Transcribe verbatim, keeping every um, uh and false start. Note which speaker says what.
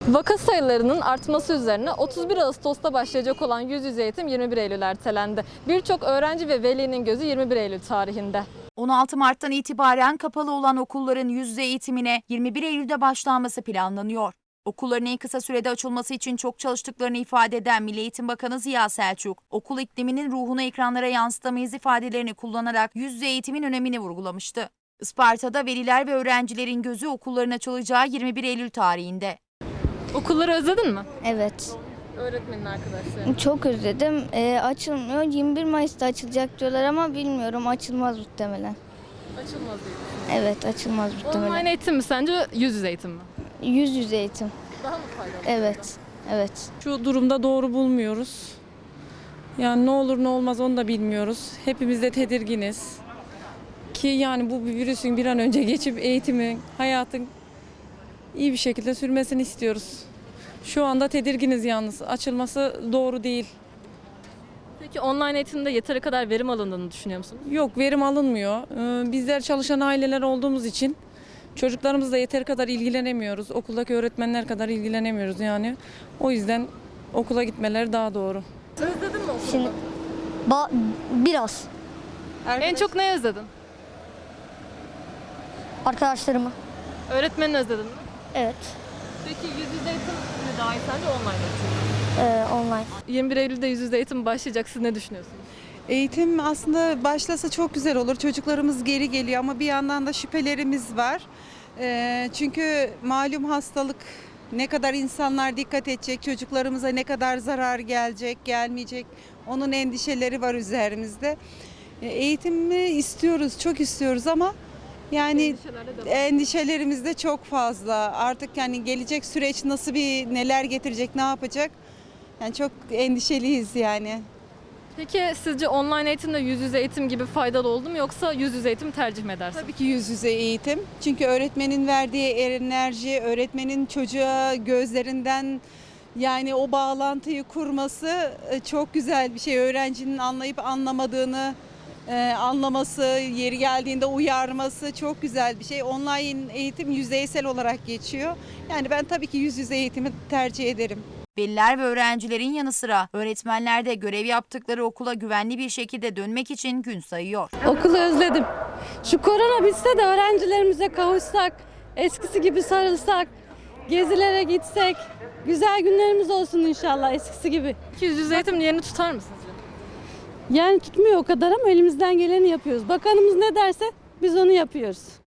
Speaker 1: Vaka sayılarının artması üzerine otuz bir Ağustos'ta başlayacak olan yüz yüze eğitim yirmi bir Eylül ertelendi. Birçok öğrenci ve velinin gözü yirmi bir Eylül tarihinde.
Speaker 2: on altı Mart'tan itibaren kapalı olan okulların yüz yüze eğitimine yirmi bir Eylül'de başlanması planlanıyor. Okulların en kısa sürede açılması için çok çalıştıklarını ifade eden Milli Eğitim Bakanı Ziya Selçuk, okul ikliminin ruhunu ekranlara yansıtamayız ifadelerini kullanarak yüz yüze eğitimin önemini vurgulamıştı. Isparta'da veliler ve öğrencilerin gözü okulların açılacağı yirmi bir Eylül tarihinde.
Speaker 1: Okulları özledin mi?
Speaker 3: Evet.
Speaker 1: Öğretmenin arkadaşları.
Speaker 3: Çok özledim. Ee, açılmıyor. yirmi bir Mayıs'ta açılacak diyorlar ama bilmiyorum. Açılmaz muhtemelen.
Speaker 1: Açılmaz diye.
Speaker 3: Evet, açılmaz muhtemelen.
Speaker 1: Online eğitim mi sence, yüz yüze eğitim mi?
Speaker 3: Yüz yüze eğitim.
Speaker 1: Daha mı faydalı?
Speaker 3: Evet. Evet.
Speaker 4: Şu durumda doğru bulmuyoruz. Yani ne olur ne olmaz onu da bilmiyoruz. Hepimiz de tedirginiz. Ki yani bu virüsün bir an önce geçip eğitimin, hayatın iyi bir şekilde sürmesini istiyoruz. Şu anda tedirginiz yalnız. Açılması doğru değil.
Speaker 1: Peki online eğitimde yeteri kadar verim alındığını düşünüyor musunuz?
Speaker 4: Yok, verim alınmıyor. Ee, Bizler çalışan aileler olduğumuz için çocuklarımızla yeteri kadar ilgilenemiyoruz. Okuldaki öğretmenler kadar ilgilenemiyoruz yani. O yüzden okula gitmeleri daha doğru.
Speaker 1: Özledin mi okulu?
Speaker 5: Şimdi ba- biraz
Speaker 1: En çok ne özledin?
Speaker 5: arkadaşlarımı.
Speaker 1: Öğretmenini özledin mi?
Speaker 5: Evet.
Speaker 1: Peki yüz yüze eğitim mi daha iyi sence, online eğitim mi?
Speaker 5: Ee, online.
Speaker 1: yirmi bir Eylül'de yüz yüze eğitim başlayacak. Siz ne düşünüyorsunuz?
Speaker 6: Eğitim aslında başlasa çok güzel olur. Çocuklarımız geri geliyor ama bir yandan da şüphelerimiz var. Ee, çünkü malum hastalık, ne kadar insanlar dikkat edecek, çocuklarımıza ne kadar zarar gelecek, gelmeyecek, onun endişeleri var üzerimizde. Ee, eğitimi istiyoruz, çok istiyoruz ama yani endişelerimiz de çok fazla. Artık yani gelecek süreç nasıl, bir neler getirecek, ne yapacak? Yani çok endişeliyiz yani.
Speaker 1: Peki sizce online eğitimde yüz yüze eğitim gibi faydalı oldu mu, yoksa yüz yüze eğitim tercih mi edersiniz?
Speaker 6: Tabii ki yüz yüze eğitim. Çünkü öğretmenin verdiği enerji, öğretmenin çocuğa gözlerinden yani o bağlantıyı kurması çok güzel bir şey. Öğrencinin anlayıp anlamadığını e, anlaması, yeri geldiğinde uyarması çok güzel bir şey. Online eğitim yüzeysel olarak geçiyor. Yani ben tabii ki yüz yüze eğitimi tercih ederim.
Speaker 2: Veliler ve öğrencilerin yanı sıra öğretmenler de görev yaptıkları okula güvenli bir şekilde dönmek için gün sayıyor.
Speaker 7: Okulu özledim. Şu korona bitse de öğrencilerimize kavuşsak, eskisi gibi sarılsak, gezilere gitsek, güzel günlerimiz olsun inşallah eskisi gibi.
Speaker 1: Peki yüz yüze eğitim yerini tutar mı sizce?
Speaker 7: Yani tutmuyor o kadar ama elimizden geleni yapıyoruz. Bakanımız ne derse biz onu yapıyoruz.